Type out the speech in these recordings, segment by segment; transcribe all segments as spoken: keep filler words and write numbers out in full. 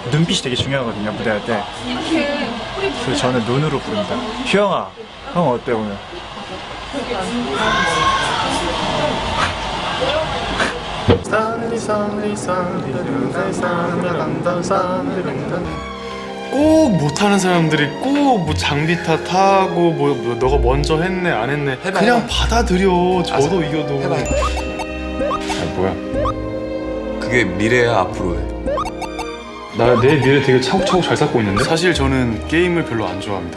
눈빛이 되게 중요하거든요, 무대할 때. 그래서 저는 눈으로 부릅니다. 휴영아, 형 어때 오늘? 꼭 못하는 사람들이 꼭 뭐 장비 탓하고 뭐, 뭐 너가 먼저 했네 안 했네 해봐, 그냥 해봐. 받아들여. 저도 아, 이겨도 해봐. 아 뭐야 그게 미래야 앞으로야. 나 내 미래 되게 차곡차곡 잘 쌓고 있는데? 사실 저는 게임을 별로 안 좋아합니다.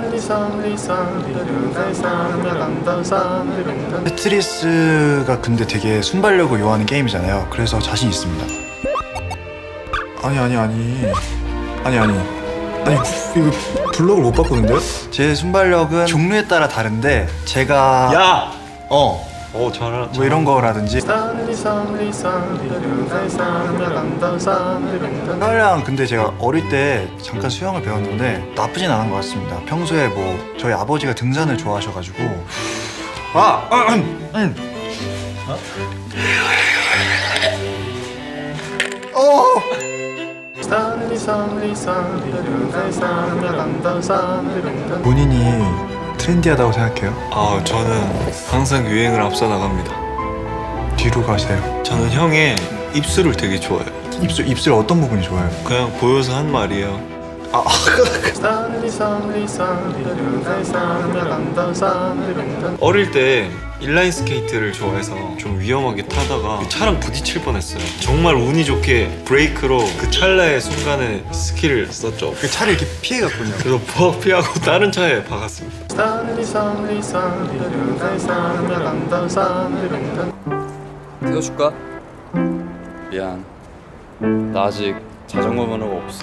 테트리스가 근데 되게 순발력을 요하는 게임이잖아요. 그래서 자신 있습니다. 아니 아니 아니 아니 아니 아니 이거 블럭을 못 바꾸는데요? 제 순발력은 종류에 따라 다른데 제가 야! 어 어 잘하 뭐 이런 거라든지 수영이랑 근데 제가 어릴 때 잠깐 수영을 배웠는데 나쁘진 않은 것 같습니다. 평소에 뭐 저희 아버지가 등산을 좋아하셔가지고 아! 아 음, 음. 어? 어! 본인이 트렌디하다고 생각해요? 아 저는 항상 유행을 앞서 나갑니다. 뒤로 가세요. 저는 형의 입술을 되게 좋아해요. 입술, 입술 어떤 부분이 좋아요? 그냥 보여서 한 말이에요. 아, 어릴 때 인라인 스케이트를 좋아해서 좀 위험하게 타다가 차랑 부딪힐 뻔했어요. 정말 운이 좋게 브레이크로 그 찰나의 순간에 스킬을 썼죠. 그 차를 이렇게 피해갔군요. 그래서 부엌 피하고 다른 차에 박았습니다. 태워줄까? 미안, 나 아직 자전거 면허가 없어.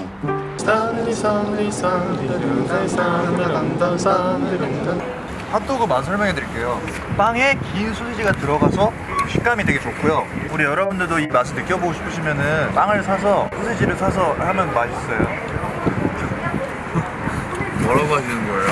핫도그 맛 설명해 드릴게요. 빵에 긴 소시지가 들어가서 식감이 되게 좋고요. 우리 여러분들도 이 맛을 느껴보고 싶으시면은 빵을 사서 소시지를 사서 하면 맛있어요. 뭐라고 하시는 거예요?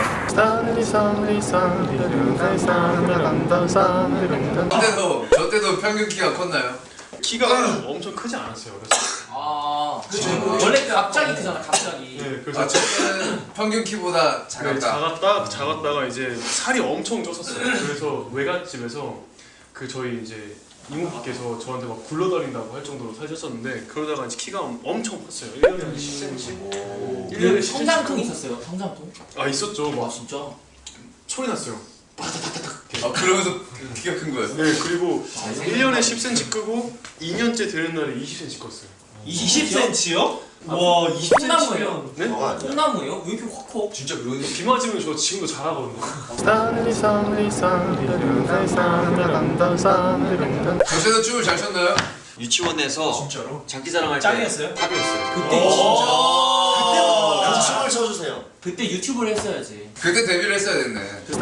저 때도, 저 때도 평균 키가 컸나요? 키가 엄청 크지 않았어요. 그래서 아, 그렇죠. 원래 갑자기 크잖아, 갑자기. 네, 그래서 아, 저 때는 평균 키보다 네, 작았다. 작았다 작았다가 이제 살이 엄청 쪘었어요. 그래서 외갓집에서 그 저희 이제 이모부께서 저한테 막 굴러다닌다고 할 정도로 살쪘었는데 그러다가 이제 키가 엄청 컸어요. 일 년에 한 십 센티미터. 일 년에 십 센티미터. 성장통 있었어요, 성장통? 아 있었죠. 와, 막 진짜? 소리 났어요. 아, 그러면서 키가 큰 거예요? 네, 그리고 일 년에 십 센티미터 끄고 이 년째 되는 날에 이십 센티미터 컸어요. 이십 센티미터요? 와, 이십 센티미터면 콩나무예요? 네? 콩나무예요? 왜 이렇게 확 커? 진짜 그런 비 맞으면 저 지금도 잘하거든요. 저 때도 춤을 잘 췄나요? 유치원에서 진짜로? 장기자랑할 때 짱이었어요? 탑이었어요. 그때 진짜. 그때부터 춤을 춰주세요. 그때 유튜브를 했어야지. 그때 데뷔를 했어야 됐네.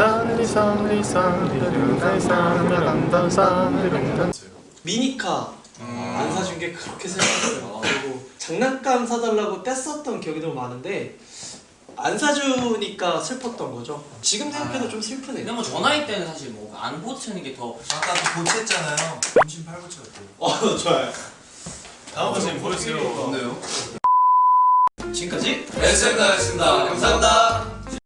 미니카 안 사준 게 그렇게 슬펐어요. 그리고 장난감 사달라고 뗐었던 기억이 너무 많은데 안 사주니까 슬펐던 거죠. 지금 생각해도 좀 슬프네요. 근데 뭐 저 나이 때는 사실 뭐 안 고치는 게 더. 아까 그 고쳤잖아요. 임신 팔 고쳤대요. 어, 좋아요. 다음 번째 보여주세요. 없네요. 지금까지 에스엠 나였습니다. 감사합니다.